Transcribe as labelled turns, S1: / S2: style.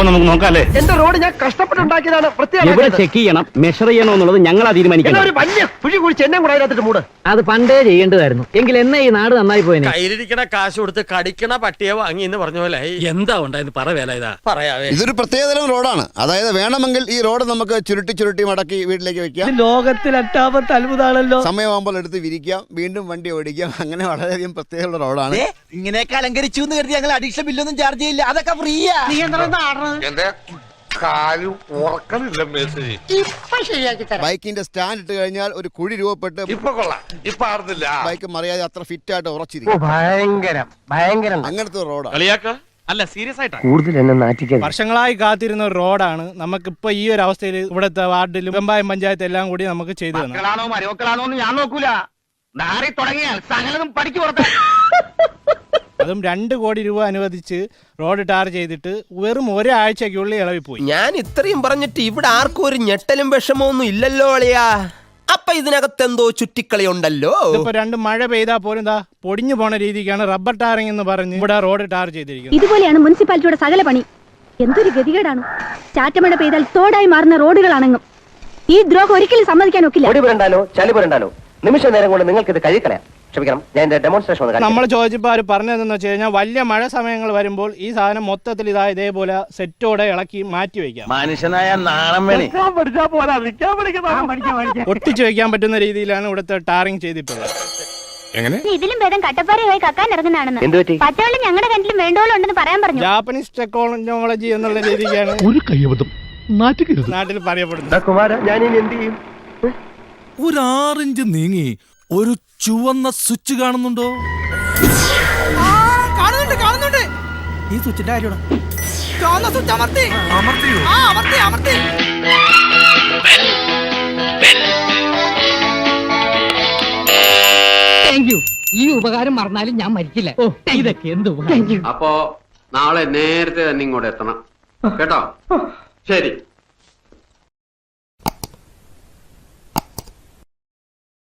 S1: അപ്പൊ നമുക്ക് നോക്കാല്ലേ?
S2: എന്റെ റോഡ് ഞാൻ കഷ്ടപ്പെട്ടുണ്ടാക്കിയതാണ്.
S3: എവിടെ ചെക്ക് ചെയ്യണം, മെഷർ ചെയ്യണോ എന്നുള്ളത് ഞങ്ങളാ തീരുമാനിക്കണം.
S2: ഒരു വലിയ കുഴി കുഴിച്ച് എന്നെ കൂടെ അതിനകത്തിട്ട് മൂട്.
S3: അത് പണ്ടേ ചെയ്യേണ്ടതായിരുന്നു. എങ്കിൽ എന്നെ ഈ നാട് നന്നായി പോയനെ.
S4: കയ്യിലിരിക്കണ കാശ് കൊടുത്ത് കടിക്കണ പട്ടിയെ വാങ്ങി എന്ന് പറഞ്ഞ പോലെ
S1: എന്താ ഉണ്ടായെന്ന് പറവേല ഇതാ
S4: പറയാവേ.
S5: ഇതൊരു പ്രത്യേകതരം റോഡാണ്. അതായത് വേണമെങ്കിൽ ഈ റോഡ് നമുക്ക് ചുരുട്ടി മടക്കി വീട്ടിലേക്ക് വെക്കാം.
S2: ലോകത്തിൽ എട്ടാമത്തെ അത്ഭുതമാണല്ലോ.
S5: സമയമാകുമ്പോൾ എടുത്ത് വിരിക്കാം, വീണ്ടും വണ്ടി ഓടിക്കാം. അങ്ങനെ വളരെയധികം പ്രത്യേകമുള്ള റോഡാണ്.
S6: ഇങ്ങനെയൊക്കെ അലങ്കരിച്ചു എന്ന് കരുതി ഞങ്ങൾ അഡീഷണൽ ബില്ലൊന്നും ചാർജ് ചെയ്യില്ല. അതൊക്കെ ഫ്രീയാ.
S5: ബൈക്കിന്റെ സ്റ്റാൻഡ് ഇട്ട് കഴിഞ്ഞാൽ ഒരു കുഴി രൂപപ്പെട്ട് ബൈക്ക് മറിയാതെ അത്ര ഫിറ്റ് ആയിട്ട് ഉറച്ചിരിക്കും.
S2: ഭയങ്കരം
S5: അങ്ങനത്തെ റോഡാണ്.
S1: കളിയാക്ക അല്ല, സീരിയസ് ആയിട്ടാ.
S2: കൂടുതൽ എന്നെ നാറ്റിക്കാൻ.
S7: വർഷങ്ങളായി കാത്തിരുന്ന ഒരു റോഡാണ്. നമുക്കിപ്പോ ഈ ഒരു അവസ്ഥയിൽ ഇവിടുത്തെ വാർഡിലും വെമ്പായം പഞ്ചായത്ത് എല്ലാം കൂടി നമുക്ക് ചെയ്തു തന്നു.
S2: മക്കളാണോ മരുമക്കളാണോ എന്ന് ഞാൻ നോക്കൂല. നാറി തുടങ്ങിയാൽ സകലതും പഠിക്കു പുറത്ത്.
S7: അതും 2 കോടി രൂപ അനുവദിച്ച് റോഡ് ടാർ ചെയ്തിട്ട് വെറും ഒരാഴ്ചക്കുള്ളിൽ ഇളവിപ്പോയി.
S6: ഞാൻ ഇത്രയും പറഞ്ഞിട്ട് ഇവിടെ ആർക്കും ഒരു ഞെട്ടലും വിഷമമൊന്നും ഇല്ലല്ലോ അളിയാ. അപ്പൊ ഇതിനകത്ത് എന്തോ ചുറ്റിക്കളി ഉണ്ടല്ലോ.
S7: ഇപ്പൊ 2 മഴ പെയ്താൽ പോലും എന്താ പൊടിഞ്ഞു പോണ രീതിക്കാണ് റബ്ബർ ടാറിംഗ് എന്ന് പറഞ്ഞ് ഇവിടെ റോഡ് ടാർ ചെയ്തിരിക്കുന്നത്.
S8: ഇതുപോലെയാണ് മുനിസിപ്പാലിറ്റിയുടെ സകല പണി. എന്തൊരു ഗതികേടാണ്. ചാറ്റമഴ പെയ്താൽ തോടായി മാറുന്ന റോഡുകളാണെന്നും ഈ ദ്രോഹം ഒരിക്കലും സമ്മതിക്കാൻ ഒക്കില്ല.
S2: പൊടി പുരണ്ടാലോ ചളി പുരണ്ടാലോ നിമിഷ നേരം കൊണ്ട് നിങ്ങൾക്ക് ഇത് കഴിക്കളയാം. ക്ഷമിക്കണം, ഞാൻ ഡെമോൺസ്ട്രേഷൻ
S7: നമ്മൾ ചോദിച്ചപ്പോൾ അവർ പറഞ്ഞതെന്ന് വെച്ച് കഴിഞ്ഞാൽ വലിയ മഴ സമയങ്ങൾ വരുമ്പോൾ ഈ സാധനം മൊത്തത്തിൽ ഇതേപോലെ സെറ്റോടെ ഇളക്കി മാറ്റി വയ്ക്കാം.
S6: മനുഷ്യനായ നാണം വേണേ.
S7: ഒട്ടിച്ചു വെക്കാൻ പറ്റുന്ന രീതിയിലാണ് ഇവിടുത്തെ ടാറിംഗ് ചെയ്തിട്ടുള്ളത്.
S8: ഇതിലും ഭേദം കട്ടപ്പാറയായി കക്കാൻ ഇറങ്ങുന്നതാണെന്ന്. പച്ചവെള്ളം ഞങ്ങളുടെ കിണറ്റിലും വേണ്ടോളം ഉണ്ടെന്ന് പറയാൻ പറഞ്ഞു.
S7: ജാപ്പനീസ് ടെക്നോളജി എന്നുള്ള രീതിക്കാണ്
S1: ഒരു കയ്യബദ്ധം
S7: നാട്ടിൽ പറയപ്പെടുന്നത്.
S2: കുമാര ഞാൻ ഇനി എന്ത് ചെയ്യും?
S9: ഒരു 6 ഇഞ്ച് നീങ്ങി ഒരു ചുവന്ന സ്വിച്ച് കാണുന്നുണ്ടോ? കാണുന്നുണ്ട്. ഈ സ്വിച്ചിന്റെ കാര്യമാണ്.
S3: ഈ ഉപകാരം മറന്നാലും ഞാൻ മരിക്കില്ല. ഇതൊക്കെ എന്ത്
S10: അപ്പോ നാളെ നേരത്തെ തന്നെ ഇങ്ങോട്ട് എത്തണം കേട്ടോ. ശരി.